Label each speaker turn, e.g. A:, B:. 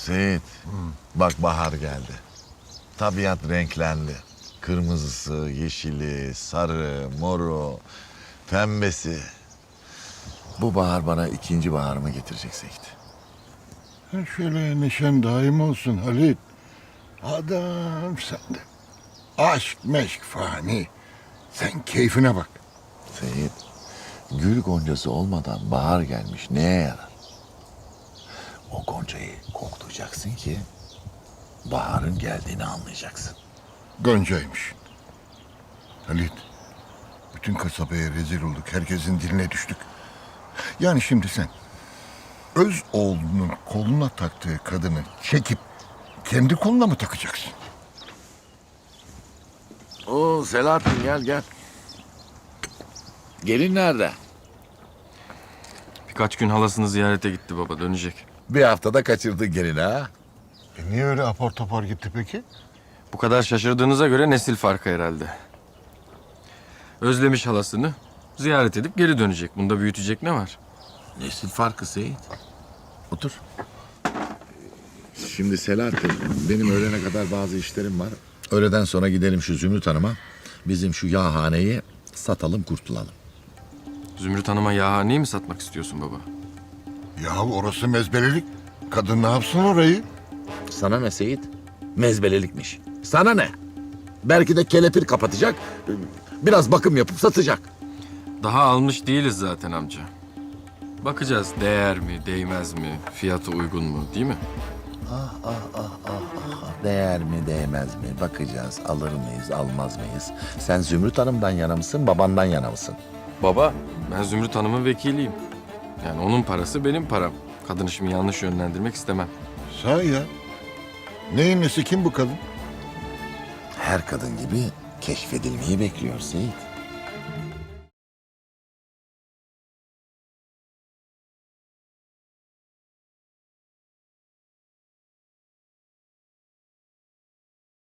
A: Seyit, bak bahar geldi. Tabiat renklendi. Kırmızısı, yeşili, sarı, moru, pembesi. Bu bahar bana ikinci baharımı getirecek Seyit.
B: Ha, şöyle neşen daim olsun Halit. Adam sende. Aşk meşk fani. Sen keyfine bak.
A: Seyit, gül goncası olmadan bahar gelmiş neye yarar? O goncayı koklayacaksın ki baharın geldiğini anlayacaksın.
B: Goncaymış. Halit. Bütün kasabaya rezil olduk. Herkesin diline düştük. Yani şimdi sen öz oğlunun koluna taktığı kadını çekip kendi koluna mı takacaksın?
A: Oo Selahattin gel. Gelin nerede?
C: Birkaç gün halasını ziyarete gitti baba, dönecek.
A: Bir haftada kaçırdın gelini ha?
B: Niye öyle apar topar gitti peki?
C: Bu kadar şaşırdığınıza göre nesil farkı herhalde. Özlemiş halasını, ziyaret edip geri dönecek. Bunda büyütecek ne var?
A: Nesil farkı Seyit. Otur. Şimdi Selahattin, benim öğlene kadar bazı işlerim var. Öğleden sonra gidelim şu Zümrüt Hanım'a. Bizim şu yağhaneyi satalım, kurtulalım.
C: Zümrüt Hanım'a yağhaneyi mi satmak istiyorsun baba?
B: Ya orası mezbelelik. Kadın ne yapsın orayı?
A: Sana ne Seyit? Mezbelelikmiş. Sana ne? Belki de kelepir kapatacak, biraz bakım yapıp satacak.
C: Daha almış değiliz zaten amca. Bakacağız değer mi, değmez mi, fiyatı uygun mu, değil mi?
A: Değer mi, değmez mi? Bakacağız, alır mıyız, almaz mıyız? Sen Zümrüt Hanım'dan yana mısın, babandan yana mısın?
C: Baba, ben Zümrüt Hanım'ın vekiliyim. Yani onun parası benim param. Kadını şimdi yanlış yönlendirmek istemem.
B: Sahi ya. Neyin nesi kim bu kadın?
A: Her kadın gibi keşfedilmeyi bekliyor Seyit.